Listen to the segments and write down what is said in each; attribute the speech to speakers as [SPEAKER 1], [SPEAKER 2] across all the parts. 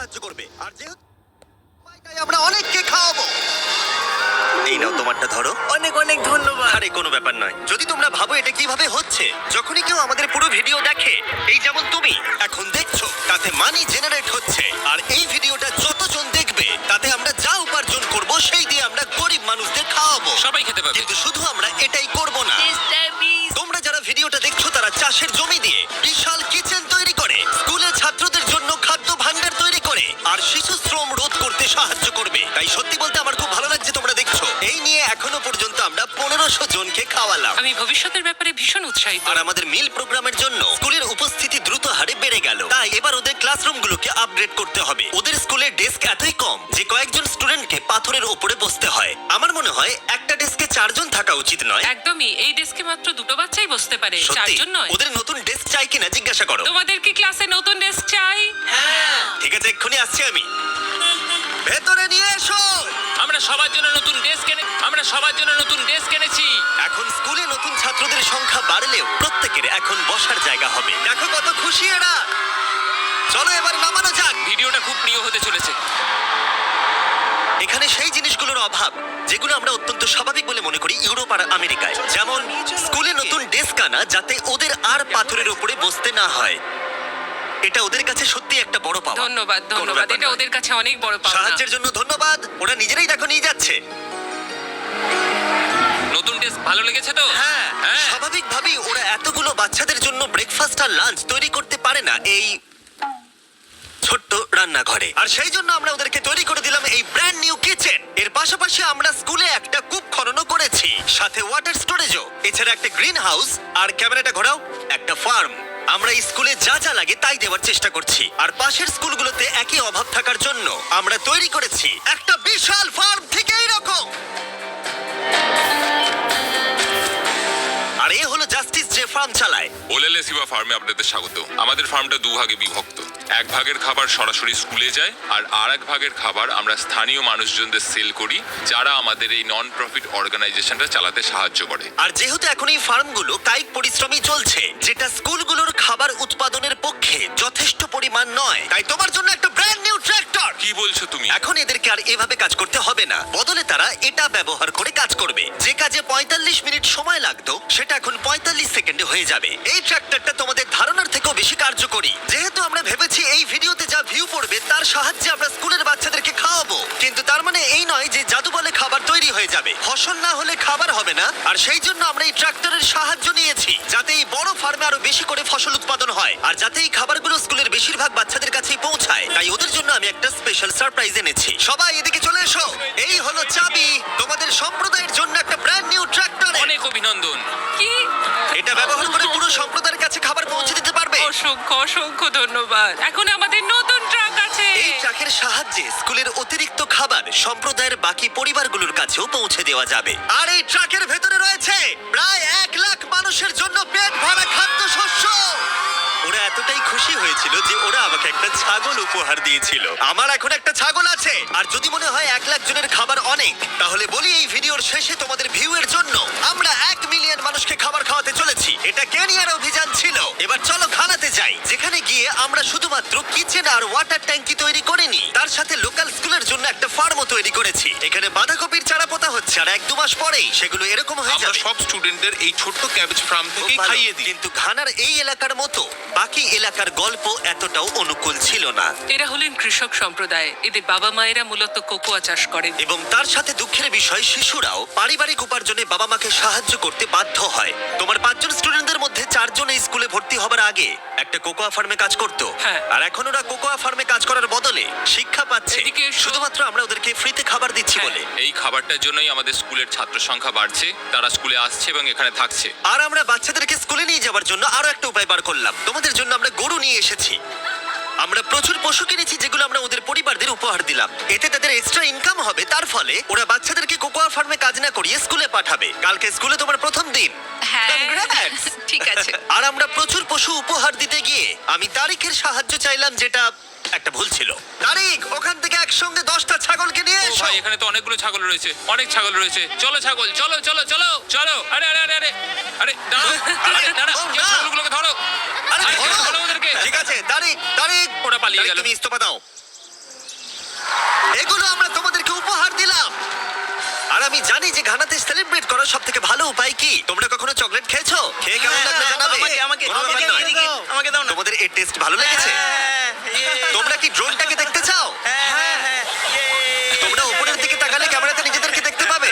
[SPEAKER 1] সাহায্য করবে। আর যেহেতু তাই আমরা অনেককে খাওয়াবো। এই নাও তোমারটা ধরো।
[SPEAKER 2] অনেক অনেক ধন্যবাদ।
[SPEAKER 1] আরে কোনো ব্যাপার নয়। যদি তোমরা ভাবো এটা কিভাবে হচ্ছে, যখনই কেউ আমাদের পুরো ভিডিও দেখে, এই যেমন তুমি এখন দেখছো, তাতে মানি জেনারেট হচ্ছে। আর এই ভিডিওটা যতজন দেখবে তাতে আমরা যা উপার্জন করব সেই দিয়ে আমরা গরিব মানুষদের খাওয়াবো।
[SPEAKER 3] সবাই খেতে পাবে।
[SPEAKER 1] কিন্তু শুধু আমরা এটাই করব না।
[SPEAKER 2] Mr.
[SPEAKER 1] তোমরা যারা ভিডিওটা দেখছো তারা চাষের জমি দিয়ে বিশাল কিচেন তৈরি করে, স্কুলের ছাত্রদের জন্য খাদ্য ভাণ্ডার তৈরি করে, আর শিশু শ্রম রোধ করতে সাহায্য করবে। তাই সত্যি বলতে আমার খুব ভালো লাগছে তোমরা দেখছো। এই নিয়ে এখনো পর্যন্ত আমরা 1500 জনকে খাওয়ালাম।
[SPEAKER 4] আমি ভবিষ্যতের ব্যাপারে ভীষণ উৎসাহিত।
[SPEAKER 1] আর আমাদের মিল প্রোগ্রামের জন্য স্কুলের উপস্থিতি দ্রুত হারে বেড়ে গেল। তাই এবার ওদের ক্লাসরুমগুলোকে আপগ্রেড করতে হবে। ওদের স্কুলের ডেস্ক এতই কম যে কয়েকজন স্টুডেন্টকে পাথরের উপরে বসতে হয়। আমার মনে হয় একটা ডেস্কে 4 জন থাকা উচিত নয়।
[SPEAKER 4] একদমই, এই ডেস্কে মাত্র 2টো বাচ্চাই বসতে পারে,
[SPEAKER 1] সত্যি?
[SPEAKER 4] চারজন নয়।
[SPEAKER 1] ওদের নতুন ডেস্ক চাই কিনা জিজ্ঞাসা করো।
[SPEAKER 4] তোমাদের কি ক্লাসে নতুন ডেস্ক চাই?
[SPEAKER 1] ঠিক আছে, এক্ষুনি আসছি আমি। ভেতরে নিয়ে এসো।
[SPEAKER 3] আমরা সবার জন্য নতুন ডেস্ক এনেছি।
[SPEAKER 1] এখন স্কুলে নতুন ছাত্রদের সংখ্যা বাড়লেও প্রত্যেকের এখন বসার জায়গা হবে। দেখো কত খুশি এরা। চলো এবার নামানো যাক।
[SPEAKER 3] ভিডিওটা খুব প্রিয় হতে চলেছে।
[SPEAKER 1] এখানে সেই জিনিসগুলোর অভাব যেগুলো আমরা অত্যন্ত স্বাভাবিক বলে মনে করি ইউরোপ আর আমেরিকায়। যেমন স্কুলে নতুন ডেস্ক আনা যাতে ওদের আর পাথরের উপরে বসতে না হয়। এটা ওদের কাছে সত্যি একটা বড় পাওয়া।
[SPEAKER 4] ধন্যবাদ
[SPEAKER 1] কোনো
[SPEAKER 4] ধন্যবাদ,
[SPEAKER 1] ব্যাপার
[SPEAKER 4] এটা
[SPEAKER 1] নয়।
[SPEAKER 4] ওদের কাছে অনেক বড় পাওনা।
[SPEAKER 1] সাহায্যের জন্য ধন্যবাদ। ওরা নিজেরাই দেখো নিয়ে যাচ্ছে।
[SPEAKER 3] নতুন ডেস্ক ভালো লেগেছে তো?
[SPEAKER 1] হ্যাঁ,
[SPEAKER 3] হ্যাঁ।
[SPEAKER 1] স্বাভাবিকভাবেই ওরা এতগুলো বাচ্চাদের জন্য ব্রেকফাস্ট আর লাঞ্চ তৈরি করতে পারে না এই ছোট্ট রান্নাঘরে। আর সেই জন্য আমরা ওদেরকে তৈরি করে দিলাম এই ব্র্যান্ড নিউ কিচেন। এর পাশাপাশি আমরা স্কুলে একটা কূপ খননও করেছি, সাথে ওয়াটার স্টোরেজও। এছাড়া একটা গ্রিন হাউস, আর ক্যামেরাটা ঘোরাও, একটা ফার্ম। আমরা এই স্কুলে যা যা লাগে তাই দেওয়ার চেষ্টা করছি। আর পাশের স্কুলগুলোতে একই অভাব থাকার জন্য আমরা তৈরি করেছি একটা বিশাল ফার্ম থেকে এইরকম। আর এ হলো জাস্টিস যে ফার্ম চালায়।
[SPEAKER 5] ওলেলে সিবা ফার্মে আপনাদের স্বাগত। আমাদের ফার্মটা দুভাগে বিভক্ত। এক ভাগের খাবার সরাসরি স্কুলে যায়, আর এক ভাগের খাবার আমরা স্থানীয় মানুষজনদের সেল করি, যারা আমাদের এই নন প্রফিট অর্গানাইজেশনটা চালাতে সাহায্য করে।
[SPEAKER 1] আর যেহেতু এখন এই ফার্মগুলো কায়িক পরিশ্রমই চলছে, যেটা স্কুলগুলোর খাবার উৎপাদনের পক্ষে যথেষ্ট পরিমাণ নয়, তাই তোমার জন্য একটা ব্র্যান্ড নিউ ট্র্যাক্টর।
[SPEAKER 5] কি বলছো তুমি?
[SPEAKER 1] এখন এদেরকে আর এভাবে কাজ করতে হবে না। বদলে তারা এটা ব্যবহার করে কাজ করবে। যে কাজে 45 মিনিট সময় লাগতো সেটা এখন 45 সেকেন্ডে হয়ে যাবে। এই ট্র্যাক্টরটা তোমাদের ধারণার থেকেও বেশি কার্যকরী। যেহেতু আমরা ভেবেছি এই ভিডিওতে যা ভিউ পড়বে তার সাহায্যে আমরা স্কুলের বাচ্চাদেরকে খাওয়াবো, কিন্তু তার মানে এই নয় যে জাদু বলে খাবার তৈরি হয়ে যাবে। ফসল না হলে খাবার হবে না। আর সেই জন্য আমরা এই ট্রাক্টরের সাহায্য নিয়েছি, যাতে এই বড় ফার্মে আরো বেশি করে ফসল উৎপাদন হয়, আর যাতে এই খাবারগুলো স্কুলের বেশিরভাগ বাচ্চাদের কাছেই পৌঁছায়। তাই ওদের জন্য আমি একটা স্পেশাল সারপ্রাইজ এনেছি। সবাই এদিকে চলে এসো। এই হলো চাবি তোমাদের সম্প্রদায়ের জন্য একটা ব্র্যান্ড নিউ ট্রাক্টর।
[SPEAKER 3] অনেক অভিনন্দন।
[SPEAKER 4] কি?
[SPEAKER 1] এটা ব্যবহার করে পুরো সম্প্রদায়ের কাছে খাবার পৌঁছে দিতে পারবে।
[SPEAKER 4] অসংখ্য অসংখ্য ধন্যবাদ। এখন আমাদের নতুন ট্রাক আছে।
[SPEAKER 1] এই ট্রাকের সাহায্যে স্কুলের অতিরিক্ত খাবার সম্প্রদায়ের বাকি পরিবারগুলোর কাছেও পৌঁছে দেওয়া যাবে। আর এই ট্রাকের ভেতরে রয়েছে প্রায় 1 লাখ মানুষের জন্য পেট ভরা খাদ্যশস্য। ওরা এতটাই খুশি হয়েছিল যে ওরা আমাকে একটা ছাগল উপহার দিয়েছিল। আমার এখন একটা ছাগল আছে। আর যদি মনে হয় 1 লাখ জনের খাবার অনেক, তাহলে বলি এই ভিডিওর শেষে তোমাদের ভিউ এর জন্য আমরা 1 মিলিয়ন মানুষকে খাবার খাওয়াতে চলেছি। এটা কেনিয়ার অভিযান ছিল। এবার চলো খানাতে যাই, যেখানে গিয়ে আমরা শুধুমাত্র কিচেন আর ওয়াটার ট্যাঙ্কি তৈরি করিনি, তার সাথে লোকাল স্কুলের জন্য একটা ফার্মও তৈরি করেছি। এখানে বাঁধাকপির চারা পোতা হচ্ছে, আর 1-2 মাস পরেই সেগুলো এরকম হয়ে
[SPEAKER 5] আমরা
[SPEAKER 1] যাবে।
[SPEAKER 5] সব স্টুডেন্টদের এই ছোট্ট ক্যাবেজ ফার্ম
[SPEAKER 1] খুব
[SPEAKER 5] থেকেই
[SPEAKER 1] ভালো।
[SPEAKER 5] খাইয়ে দিই।
[SPEAKER 1] কিন্তু ঘানার এই এলাকার মতো বাকি এলাকার গল্প এতটাও অনুকূল ছিল না,
[SPEAKER 4] এরা হলেন কৃষক সম্প্রদায়। এদের বাবা মায়েরা মূলত কোকোয়া চাষ করেন।
[SPEAKER 1] এবং তার সাথে দুঃখের বিষয় শিশুরাও পারিবারিক উপার্জনে বাবা মাকে সাহায্য করতে বাধ্য হয়। তোমার 5 জন স্টুডেন্টদের মধ্যে 4 জন এই স্কুলে ভর্তি হবার আগে একটা কোকোয়া ফার্মে কাজ করতো।
[SPEAKER 4] হ্যাঁ।
[SPEAKER 1] আর এখন ওরা কোকোয়া ফার্মে কাজ করার বদলে শিক্ষা পাচ্ছে,
[SPEAKER 4] এদিকে এসো।
[SPEAKER 1] শুধুমাত্র আমরা ওদেরকে ফ্রিতে খাবার দিচ্ছি
[SPEAKER 4] হ্যাঁ।
[SPEAKER 1] বলে।
[SPEAKER 5] এই খাবারটার জন্যই আমাদের স্কুলের ছাত্র সংখ্যা বাড়ছে, তারা স্কুলে আসছে এবং এখানে থাকছে।
[SPEAKER 1] আর আমরা বাচ্চাদেরকে স্কুলে নিয়ে যাওয়ার জন্য আরো একটা উপায় বার করলাম। তোমাদের জন্য আমরা গরু নিয়ে এসেছি। আমরা প্রচুর পশু কিনেছি যেগুলো আমরা ওদের পরিবারদের উপহার দিলাম। এতে তাদের এক্সট্রা ইনকাম হবে। তার ফলে ওরা বাচ্চাদেরকে কোকোয়া ফার্মে কাজ না করিয়ে স্কুলে পাঠাবে। কালকে স্কুলে তোমার প্রথম দিন।
[SPEAKER 4] হ্যাঁ।
[SPEAKER 1] Congrats!
[SPEAKER 4] ঠিক আছে।
[SPEAKER 1] আর আমরা প্রচুর পশু উপহার দিতে গিয়ে আমি তারিখের সাহায্য চাইলাম, যেটা একটা ভুল ছিল। তারিখ, ওখান থেকে একসঙ্গে 10টা ছাগলকে নিয়ে
[SPEAKER 3] ও
[SPEAKER 1] এসো।
[SPEAKER 3] ভাই, এখানে তো অনেকগুলো ছাগল রয়েছে, অনেক ছাগল রয়েছে। চলো ছাগল, চলো চলো চলো চলো। আরে আরে আরে আরে আরে দাঁড়াও, আরে দাঁড়াও,
[SPEAKER 1] ও,
[SPEAKER 3] কেউ
[SPEAKER 1] না।
[SPEAKER 3] ছাগলগুলোকে ধরো।
[SPEAKER 1] আরে
[SPEAKER 3] আরে
[SPEAKER 1] ধরো।
[SPEAKER 3] ধরো ওদেরকে।
[SPEAKER 1] ঠিক আছে, তারিখ তারিখ
[SPEAKER 3] ওরা পালিয়ে
[SPEAKER 1] তারিখ,
[SPEAKER 3] গেল।
[SPEAKER 1] তুমি ইস্তফা দাও। এগুলো আমরা তোমাদেরকে উপহার দিলাম। আর আমি জানি যে ঘানাতে সেলিব্রেট করার সব থেকে ভালো উপায় কি। তোমরা কখনো চকলেট খেয়েছো? খেয়ে কেমন লাগলো জানাবে। কোনো ব্যাপার নয়।
[SPEAKER 2] আমাকে দাও না।
[SPEAKER 1] তোমাদের এর টেস্ট ভালো লেগেছে? তোমরা কি ড্রোনটাকে দেখতে চাও? তোমরা উপরের দিকে তাকালে ক্যামেরাতে নিজেদেরকে দেখতে পাবে।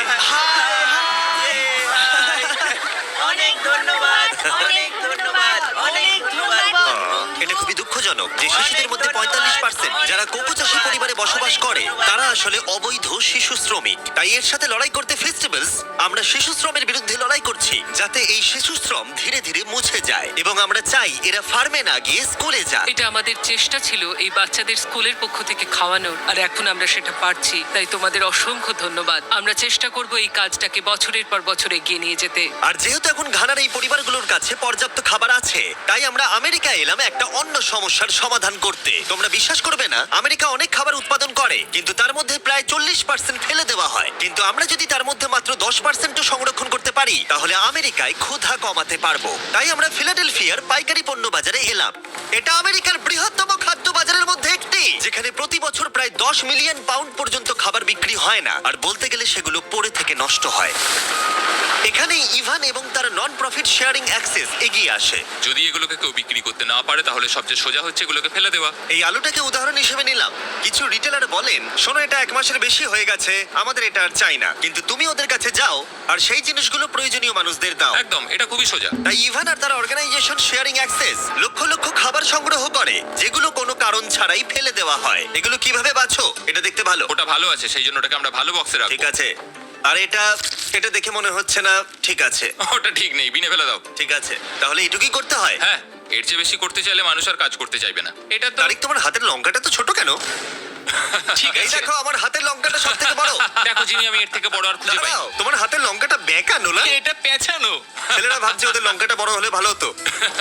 [SPEAKER 2] অনেক ধন্যবাদ, অনেক ধন্যবাদ, অনেক ধন্যবাদ।
[SPEAKER 1] এটা খুবই দুঃখজনক যে শিশুদের মধ্যে 45% যারা কোকো চাষী পরিবারে বসবাস করে তারা আসলে অবৈধ শিশু শ্রমিক। তাই এর সাথে লড়াই করতে ফেস্টিভ্যালস আমরা শিশু শ্রমের বিরুদ্ধে লড়াই করছি, যাতে এই শিশু শ্রম ধীরে ধীরে মুছে যায় এবং আমরা চাই এরা ফার্মে না গিয়ে স্কুলে যাক।
[SPEAKER 4] এটা আমাদের চেষ্টা ছিল এই বাচ্চাদের স্কুলের পক্ষ থেকে খাওয়ানোর, আর এখন আমরা সেটা পারছি। তাই তোমাদের অসংখ্য ধন্যবাদ। আমরা চেষ্টা করব এই কাজটাকে বছরের পর বছর এগিয়ে নিয়ে যেতে।
[SPEAKER 1] আর যেহেতু এখন ঘানার এই পরিবারগুলোর কাছে পর্যাপ্ত খাবার আছে, তাই আমরা আমেরিকায় এলাম একটা অন্য সমস্যার সমাধান করতে। তোমরা বিশ্বাস করবে না, আমেরিকা অনেক খাবার উৎপাদন করে কিন্তু তার মধ্যে প্রায় 40% ফেলে দেওয়া হয়। কিন্তু আমরা যদি তার মধ্যে মাত্র 10% সংরক্ষণ করতে পারি তাহলে আমেরিকায় ক্ষুধা কমাতে পারবো। তাই আমরা ফিলাডেলফিয়ার পাইকারি পণ্য বাজারে এলাম। এটা আমেরিকার বৃহত্তম খাদ্য বাজারের মধ্যে একটি, যেখানে প্রতি বছর প্রায় 10 মিলিয়ন পাউন্ড পর্যন্ত খাবার বিক্রি হয় না, আর বলতে গেলে সেগুলো পড়ে থেকে নষ্ট হয়। এখানে ইভান এবং তার নন প্রফিট শেয়ারিং অ্যাক্সেস এগিয়ে আসে।
[SPEAKER 5] যদি এগুলোকে কেউ বিক্রি করতে না পারে তাহলে সবচেয়ে সোজা হচ্ছে এগুলোকে ফেলে দেওয়া।
[SPEAKER 1] এই আলুটাকে উদাহরণ হিসেবে নিলাম। কিছু রিটেলার বলেন, শোনো এটা 1 মাসের বেশি হয়ে গেছে, আমাদের এটা আর চাই না। কিন্তু তুমি ওদের কাছে যাও আর সেই জিনিসগুলো প্রয়োজনীয় মানুষদের দাও।
[SPEAKER 5] একদম, এটা খুবই সোজা।
[SPEAKER 1] তাই ইভান আর তার অর্গানাইজেশন শেয়ারিং অ্যাক্সেস লক্ষ লক্ষ খাবার সংগ্রহ করে যেগুলো কোনো কারণ ছাড়াই ফেলে দেওয়া হয়। এগুলো কিভাবে বাছো? এটা দেখতে ভালো।
[SPEAKER 5] ওটা ভালো আছে, সেই জন্য ওটাকে আমরা ভালো বক্সে
[SPEAKER 1] ঠিক
[SPEAKER 5] রাখবো।
[SPEAKER 1] আছে। আর এটা এটা দেখে মনে হচ্ছে না ঠিক আছে।
[SPEAKER 5] ওটা ঠিক নেই, বিনে ফেলে দাও।
[SPEAKER 1] ঠিক আছে, তাহলে এটুকুই করতে হয়।
[SPEAKER 5] হ্যাঁ, এর চেয়ে বেশি করতে চাইলে মানুষ আর কাজ করতে চাইবে না। এটা তো
[SPEAKER 1] তারিক, তোমার হাতের লঙ্কাটা তো ছোট কেন?
[SPEAKER 5] ঠিক
[SPEAKER 1] এই
[SPEAKER 5] আছে।
[SPEAKER 1] দেখো, আমার হাতের লঙ্কাটা সব থেকে বড়।
[SPEAKER 5] দেখো জিমি, আমি এর থেকে বড় আর খুঁজে পাই।
[SPEAKER 1] দাঁড়াও, তোমার হাতের লঙ্কাটা বেঁকানো না?
[SPEAKER 5] এটা পেঁচানো।
[SPEAKER 1] ছেলেরা ভাবছে ওদের লঙ্কাটা বড় হলে ভালো হতো।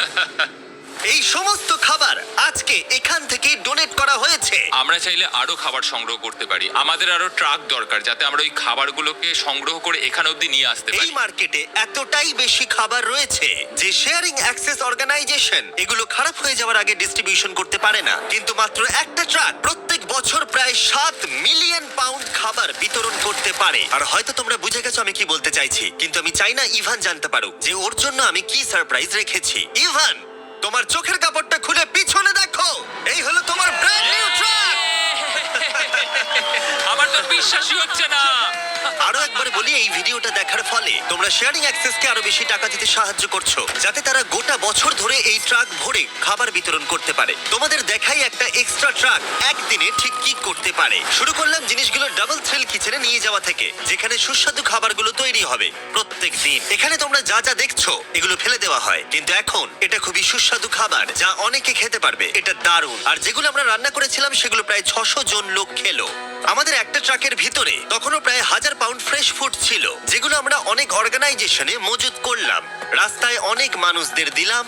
[SPEAKER 1] এই সমস্ত খাবার আজকে এখান থেকে ডোনেট করা হয়েছে।
[SPEAKER 5] আমরা চাইলে আরো খাবার সংগ্রহ করতে পারি। আমাদের আরো ট্রাক দরকার যাতে আমরা ওই খাবারগুলোকে সংগ্রহ করে এখানে অবধি নিয়ে আসতে
[SPEAKER 1] এই
[SPEAKER 5] পারি।
[SPEAKER 1] মার্কেটে এতটাই বেশি খাবার রয়েছে যে শেয়ারিং অ্যাক্সেস অর্গানাইজেশন এগুলো খারাপ হয়ে যাওয়ার আগে ডিস্ট্রিবিউশন করতে পারে না। কিন্তু মাত্র একটা ট্রাক প্রত্যেক বছর প্রায় 7 মিলিয়ন পাউন্ড খাবার বিতরণ করতে পারে। আর হয়তো তোমরা বুঝে গেছো আমি কি বলতে চাইছি, কিন্তু আমি চাই না ইভান জানতে পারুক যে ওর জন্য আমি কি সারপ্রাইজ রেখেছি। ইভান, তোমার চোখের কাপড়টা খুলে পিছনে দেখো, এই হলো তোমার ব্র্যান্ড নিউ ট্রাক।
[SPEAKER 5] আমার তো বিশ্বাসই হচ্ছে না।
[SPEAKER 1] আরো একবার বলি, এই ভিডিওটা দেখার ফলে তোমরা শেয়ারিং অ্যাক্সেসকে আরো বেশি টাকা দিতে সাহায্য করছো, যাতে তারা গোটা বছর ধরে এই ট্রাক ভরে খাবার বিতরণ করতে পারে। তোমাদের দেখাই একটা এক্সট্রা ট্রাক একদিনে ঠিক কি করতে পারে। শুরু করলাম জিনিসগুলো ডাবল থ্রিল কিচেনে নিয়ে যাওয়া থেকে, যেখানে সুস্বাদু খাবারগুলো তৈরি হবে প্রত্যেক দিন। এখানে তোমরা যা যা দেখছো এগুলো ফেলে দেওয়া হয়, কিন্তু এখন এটা খুবই সুস্বাদু খাবার যা অনেকে খেতে পারবে। এটা দারুণ। আর যেগুলো আমরা রান্না করেছিলাম সেগুলো প্রায় 600 জন লোক খেলো। আমাদের একটা ট্রাকের ভিতরে তখনও প্রায় 1000 পাউন্ড ফ্রেশ ফুড ছিল, যেগুলো আমরা অনেক অর্গানাইজেশনে মজুত করলাম, রাস্তায় অনেক মানুষদের দিলাম।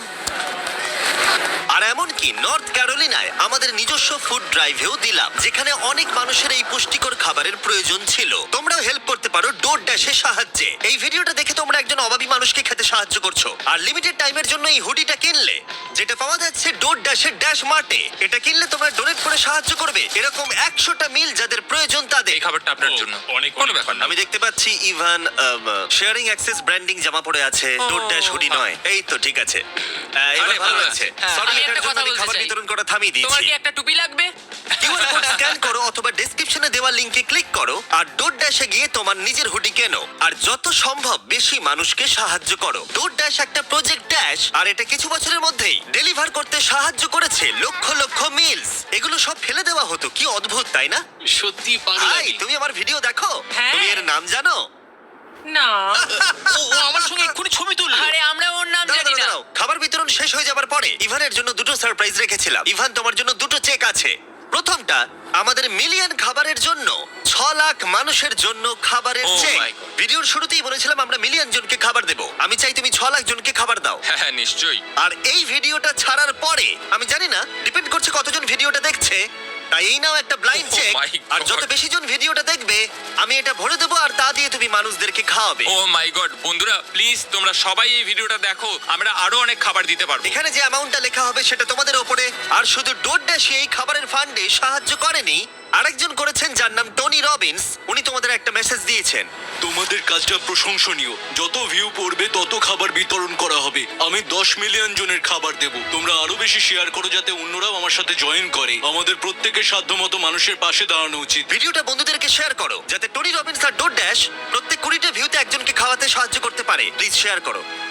[SPEAKER 1] আর এমনকি নর্থ ক্যারোলিনায় আমাদের নিজস্ব ফুড ড্রাইভেও দিলাম, যেখানে অনেক মানুষের এই পুষ্টিকর খাবারের প্রয়োজন ছিল। তোমরাও হেল্প করতে পারো ডোর ড্যাশের সাহায্যে। এই ভিডিওটা দেখে তোমরা একজন অভাবী মানুষকে খেতে সাহায্য করছো। আর লিমিটেড টাইমের জন্য এই হুডিটা কিনলে, যেটা পাওয়া যাচ্ছে ডোর ড্যাশের ড্যাশ মার্টে, এটা কিনলে তোমরা ডোনেট করে সাহায্য করবে এরকম 100টা মিল যাদের প্রয়োজন তাদের।
[SPEAKER 5] এই খাবারটা আপনার জন্য।
[SPEAKER 3] অনেক
[SPEAKER 5] কোনো ব্যাপার না।
[SPEAKER 1] আমি দেখতে পাচ্ছি ইভান শেয়ারিং অ্যাক্সেস ব্র্যান্ডিং জামা পরে আছে, ডোর ড্যাশ হুডি নয়। এই তো ঠিক আছে, এবার
[SPEAKER 5] আরে,
[SPEAKER 1] ভালো
[SPEAKER 5] ভালো
[SPEAKER 1] আছে।
[SPEAKER 5] আছে।
[SPEAKER 1] Sorry,
[SPEAKER 4] আমি
[SPEAKER 1] এটার
[SPEAKER 4] একটা
[SPEAKER 1] জন্য
[SPEAKER 4] কথা
[SPEAKER 1] আমি
[SPEAKER 4] বলতে
[SPEAKER 1] খাবার
[SPEAKER 4] চাই।
[SPEAKER 1] বিতরণ করা থামিয়ে
[SPEAKER 4] তোমার
[SPEAKER 1] দিয়েছি।
[SPEAKER 4] কি একটা টুপি লাগবে?
[SPEAKER 1] কিউআর কোড স্ক্যান করো অথবা ডেসক্রিপশনে দেওয়া লিংকে ক্লিক করো আর ডোর ড্যাশে গিয়ে তোমার নিজের হুডি কেনো আর যত সম্ভব বেশি মানুষকে সাহায্য করো। ডোর ড্যাশ একটা প্রজেক্ট ড্যাশ, আর এটা কিছু বছরের মধ্যেই ডেলিভার করতে সাহায্য করেছে লক্ষ লক্ষ মিলস। এগুলো সব ফেলে দেওয়া হতো, কি অদ্ভুত তাই না?
[SPEAKER 3] সত্যি
[SPEAKER 1] হাই, তুমি আমার ভিডিও দেখো?
[SPEAKER 4] হ্যাঁ।
[SPEAKER 1] তুমি এর নাম জানো?
[SPEAKER 4] না।
[SPEAKER 3] ও আমার সঙ্গে এক্ষুনি ছবি তুললো।
[SPEAKER 4] আরে আমরা ওর নাম
[SPEAKER 1] দাঁড়াও,
[SPEAKER 4] জানি না।
[SPEAKER 1] দাঁড়াও, খাবার বিতরণ শেষ হয়ে যাবার পরে ইভানের জন্য দুটো সারপ্রাইজ রেখেছিলাম। ইভান, তোমার জন্য দুটো চেক আছে। প্রথমটা আমাদের মিলিয়ন খাবারের জন্য 6 লাখ মানুষের জন্য খাবারের
[SPEAKER 5] Oh
[SPEAKER 1] চেক।
[SPEAKER 5] my God.
[SPEAKER 1] ভিডিওর শুরুতেই বলেছিলাম আমরা মিলিয়ন জনকে খাবার দেব। আমি চাই তুমি 6 লাখ জনকে খাবার দাও।
[SPEAKER 5] হ্যাঁ, নিশ্চয়ই।
[SPEAKER 1] আর এই ভিডিওটা ছাড়ার পরে আমি জানি না, ডিপেন্ড করছে কতজন ভিডিওটা দেখছে, তাই এই নাও একটা ব্লাইন্ড
[SPEAKER 5] Oh
[SPEAKER 1] চেক।
[SPEAKER 5] my
[SPEAKER 1] আর যত
[SPEAKER 5] God.
[SPEAKER 1] বেশি জন ভিডিওটা দেখবে আমি এটা ভরে দেবো, আর তা দিয়ে তুমি মানুষদেরকে খাওয়াবে।
[SPEAKER 5] ও মাই গড, বন্ধুরা প্লিজ তোমরা সবাই এই ভিডিওটা দেখো, আমরা আরো অনেক খাবার দিতে পারবো।
[SPEAKER 1] এখানে যে অ্যামাউন্টটা লেখা হবে সেটা তোমাদের ওপরে। আর শুধু ডোর ড্যাশে এই খাবারের ফান্ডে সাহায্য করেনি, আরেকজন করেছেন যার নাম টনি রবিন্স। উনি তোমাদের একটা মেসেজ দিয়েছেন।
[SPEAKER 6] তোমাদের কাজটা প্রশংসনীয়। যত ভিউ পড়বে তত খাবার বিতরণ করা হবে। আমি 10 মিলিয়ন জনের খাবার দেব। তোমরা আরো বেশি শেয়ার করো যাতে অন্যরাও আমার সাথে জয়েন করে। আমাদের প্রত্যেকের সাধ্যমতো মানুষের পাশে দাঁড়ানো উচিত।
[SPEAKER 1] ভিডিওটা বন্ধুদেরকে শেয়ার করো যাতে টনি রবিন্স আর ডোর ড্যাশ প্রত্যেক 20টা ভিউতে একজনকে খাওয়াতে সাহায্য করতে পারে। প্লিজ শেয়ার করো।